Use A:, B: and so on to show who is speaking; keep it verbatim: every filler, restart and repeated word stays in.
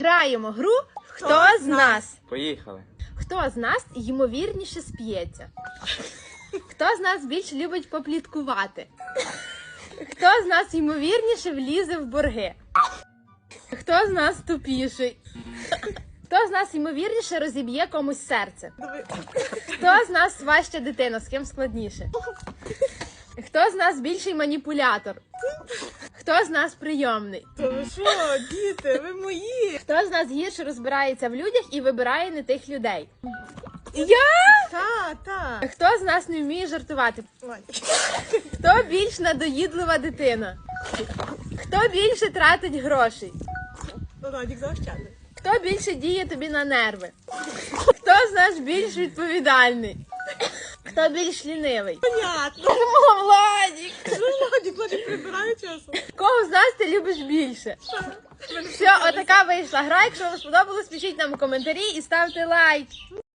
A: Граємо гру «Хто з нас?».
B: Поїхали.
A: Хто з нас ймовірніше сп'ється? Хто з нас більше любить попліткувати? Хто з нас ймовірніше влізе в борги? Хто з нас тупіший? Хто з нас ймовірніше розіб'є комусь серце? Хто з нас важча дитина, з ким складніше? Хто з нас більший маніпулятор? Хто з нас прийомний?
C: Та ви що, діти, ви мої?
A: Хто з нас гірше розбирається в людях і вибирає не тих людей?
C: Я? Та, та.
A: Хто з нас не вміє жартувати?
C: Ой.
A: Хто більш надоїдлива дитина? Хто більше тратить грошей?
C: Радік заощадний.
A: Хто більше діє тобі на нерви? Хто з нас більш відповідальний? Хто більш лінивий?
C: Понятно.
A: О, Владік!
C: Ну, Радік, Радік прибирає часом.
A: Кого з нас ти любиш більше? Все, отака вийшла гра. Якщо вам сподобалось, пишіть нам у коментарі і ставте лайк.